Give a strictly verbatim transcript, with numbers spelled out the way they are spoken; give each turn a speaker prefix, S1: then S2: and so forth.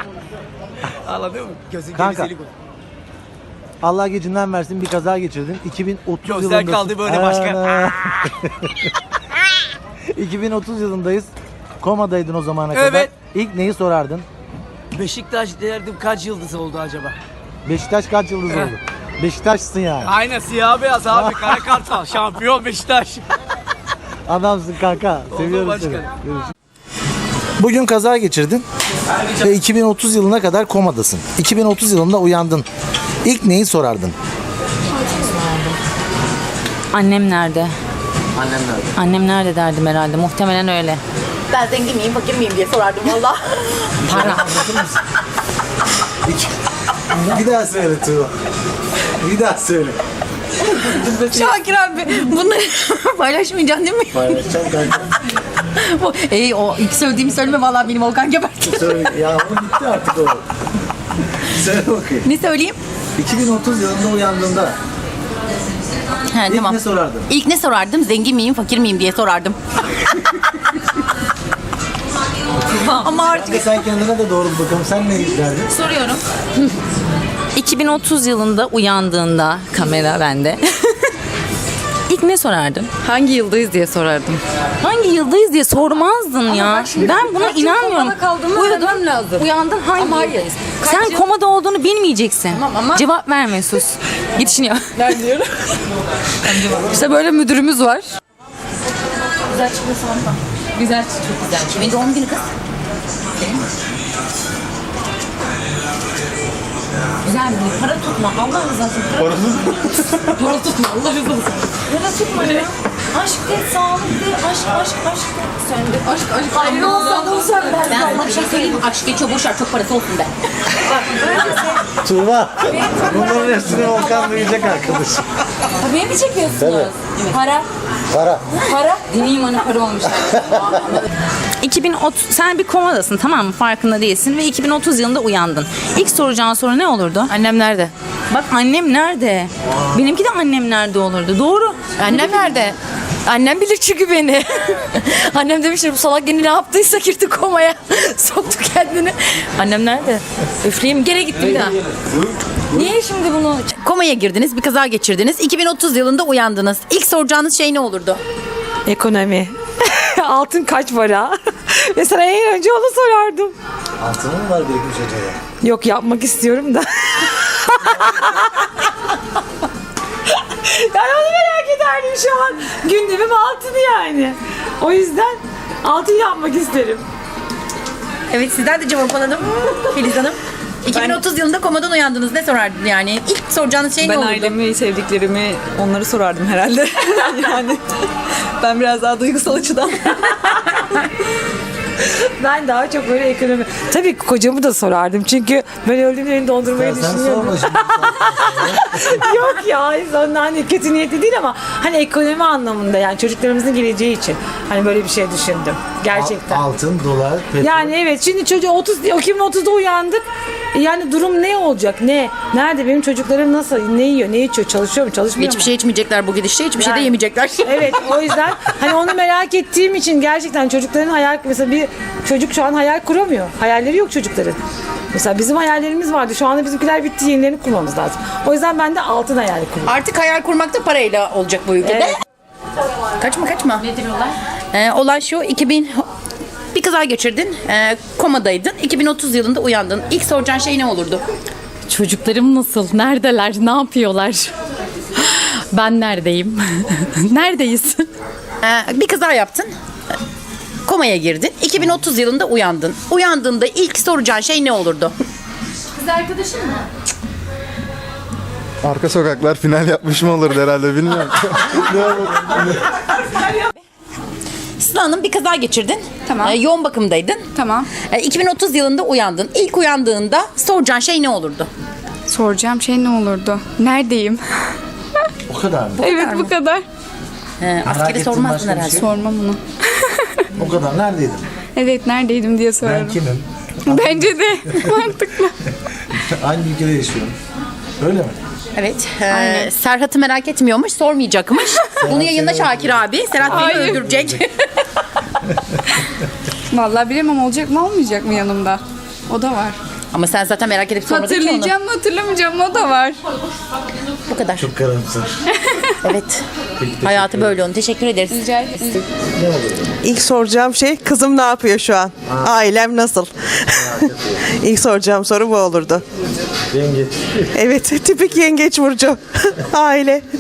S1: Anladın mı? Gözün
S2: Kanka.
S1: gerizeli koy.
S2: Allah gecinden versin, bir kaza geçirdin. iki bin otuz
S1: Gözler
S2: yılındasın.
S1: kaldı böyle başka.
S2: iki bin otuz yılındayız. Komadaydın o zamana kadar.
S1: Evet.
S2: İlk neyi sorardın?
S1: Beşiktaş derdim kaç yıldız oldu acaba?
S2: Beşiktaş kaç yıldız oldu? Beşiktaş'sın yani.
S1: Aynen siyah beyaz abi. Kara kartal. Şampiyon Beşiktaş.
S2: Adamsın kanka.
S1: Oldu
S2: Seviyorum
S1: başkan.
S2: seni. Görüşürüz. Bugün kaza geçirdin ve iki bin otuz yılına kadar komadasın. iki bin otuz yılında uyandın. İlk neyi sorardın?
S3: Annem nerede?
S1: Annem nerede?
S3: Annem nerede derdim herhalde. Muhtemelen öyle.
S4: Ben zengin miyim, fakir miyim diye sorardım valla.
S3: Para.
S2: Bir daha söyle Tuğba. Bir daha söyle.
S4: Şakir abi bunları paylaşmayacaksın değil mi?
S2: Paylaşacağım kanka.
S4: Bu- Ey o ilk söylediğimi söyleme valla benim Volkan gebertir.
S2: Söyle. Ya o bitti artık o. Söyle bakayım.
S4: Ne söyleyeyim?
S2: iki bin otuz yılında uyandığında
S4: He,
S2: ilk
S4: tamam.
S2: ne sorardın?
S4: İlk ne sorardım? Zengin miyim, fakir miyim diye sorardım. Ama artık
S2: Kanka sen kendine de doğru bir bakalım. Sen ne derdin?
S4: soruyorum.
S3: iki bin otuz yılında uyandığında kamera bende. İlk ne sorardın?
S5: Hangi yıldayız diye sorardım.
S3: Hangi yıldayız diye sormazdın ya. Ben buna inanmıyorum.
S5: komada kaldığımı öğrenmem lazım.
S3: Uyandın hangi?
S5: Ama hayır. Kaç
S3: Sen
S5: yıl-
S3: komada olduğunu bilmeyeceksin.
S5: Tamam ama-
S3: Cevap verme, sus. Yetişiniyor.
S5: Ben diyorum. İşte böyle müdürümüz var.
S4: Güzel çıkması var.
S3: Güzel, çok güzel.
S4: Kimin doğum günü kız?
S3: Güzel bir para tutma. Allah rızası için. Para tutma. Para tutma. Allah rızası için. Para tutma ne? Aşk de, sağlık de, aşk, aşk, aşk de. Sen de aşk, aşk.
S4: Ayrı olsan da olsan ben. Ben sana bir şey söyleyeyim mi? Aşk geçiyor boşver çok parası olsun be.
S2: Tuğba. Bunların hepsini Volkan duyacak arkadaş.
S3: Tabii mi çekiyorsunuz?
S2: Tabii.
S3: Para.
S2: Para.
S3: Para. Deneyim hani para olmuş. iki bin otuz sen bir komadasın, tamam mı? Farkında değilsin ve iki bin otuz yılında uyandın. İlk soracağın soru ne olurdu?
S5: Annem nerede?
S3: Bak, annem nerede? Benimki de annem nerede olurdu. Doğru.
S5: Annem nerede? Annem bilir çünkü beni. Annem demiştir bu salak yine ne yaptıysa girdi komaya. Soktu kendini. Annem nerede? Üfleyeyim gene gittim daha. Niye şimdi bunu?
S4: Komaya girdiniz, bir kaza geçirdiniz. iki bin otuz yılında uyandınız. İlk soracağınız şey ne olurdu?
S5: Ekonomi. Altın kaç para? Mesela en önce onu sorardım.
S2: Altını mı var birikmiş acaba?
S5: Yok yapmak istiyorum da. Yani onu merak ederdim şu an. Gündemim altını yani. O yüzden altın yapmak isterim.
S4: Evet sizden de cevap alalım. Filiz Hanım. iki bin otuz yılında komadan uyandınız. Ne sorardın yani? İlk soracağınız şey ne
S6: Ben
S4: olurdu?
S6: ailemi, sevdiklerimi, onları sorardım herhalde. Yani ben biraz daha duygusal açıdan.
S5: Ben daha çok böyle ekonomi... Tabii kocamı da sorardım. Çünkü ben öldüğümde beni dondurmayı
S2: Sen
S5: düşünüyordum.
S2: sorma şimdi.
S5: Yok ya ondan hani kötü niyetli değil ama hani ekonomi anlamında yani çocuklarımızın geleceği için hani böyle bir şey düşündüm. Gerçekten.
S2: Altın, dolar, petrol.
S5: Yani evet şimdi çocuğu otuz iki bin otuzda uyandık. Yani durum ne olacak? Ne? Nerede benim çocuklarım nasıl? Ne yiyor? Ne içiyor? Çalışıyor mu? Çalışmıyor
S4: Hiçbir
S5: mu?
S4: şey içmeyecekler bu gidişte. Hiçbir şey de
S5: Yani-
S4: yemeyecekler.
S5: Evet o yüzden hani onu merak ettiğim için gerçekten çocukların hayal mesela bir çocuk şu an hayal kuramıyor. Hayalleri yok çocukların. Mesela bizim hayallerimiz vardı. Şu anda bizimkiler bitti. Yenilerini kurmamız lazım. O yüzden ben de altın hayali kuruyorum.
S4: Artık hayal kurmak da parayla olacak bu ülkede.
S5: Evet.
S4: Kaçma kaçma. Nedir olay? Ee, olay şu. iki bin bir kaza geçirdin. Ee, komadaydın. iki bin otuz yılında uyandın. İlk soracağın şey ne olurdu?
S3: Çocuklarım nasıl? Neredeler? Ne yapıyorlar? Ben neredeyim? Neredeyiz?
S4: Ee, bir kaza yaptın. Komaya girdin. iki bin otuz yılında uyandın. Uyandığında ilk soracağın şey ne olurdu?
S3: Kız arkadaşın mı?
S7: Arka sokaklar final yapmış mı olurdu herhalde bilmiyorum.
S4: Sıla Hanım bir kaza geçirdin.
S5: Tamam.
S4: Ee, yoğun bakımdaydın.
S5: Tamam.
S4: Ee, iki bin otuz yılında uyandın. İlk uyandığında soracağın şey ne olurdu?
S8: Soracağım şey ne olurdu? Neredeyim?
S2: O kadar mı?
S8: Evet bu kadar.
S4: Ee, askeri
S2: ettiğin
S4: sormazdın
S2: başka bir
S4: herhalde.
S2: şey?
S8: Sormam bunu.
S2: O kadar. Neredeydin?
S8: Evet neredeydim diye
S2: Ben
S8: sorarım.
S2: kimim?
S8: Bence de mantıklı.
S2: Hangi ülkede yaşıyorum? Öyle mi?
S4: Evet. Ee, Serhat'ı merak etmiyormuş, sormayacakmış. Bunu yayında Şakir abi. Serhat beni
S8: Hayır.
S4: öldürecek.
S8: Vallahi bilemem olacak mı olmayacak mı yanımda? O da var.
S4: Ama sen zaten merak edip sormadın ki onu.
S8: Hatırlayacağım mı hatırlamayacağım mı o da var.
S4: Bu kadar.
S2: Çok karamsar.
S4: Evet. Hayatı böyle onun. Teşekkür ederiz.
S8: Rica ederim.
S9: İlk soracağım şey kızım ne yapıyor şu an? Ailem nasıl? İlk soracağım soru bu olurdu.
S2: Yengeç.
S9: Evet, tipik yengeç burcu. Aile.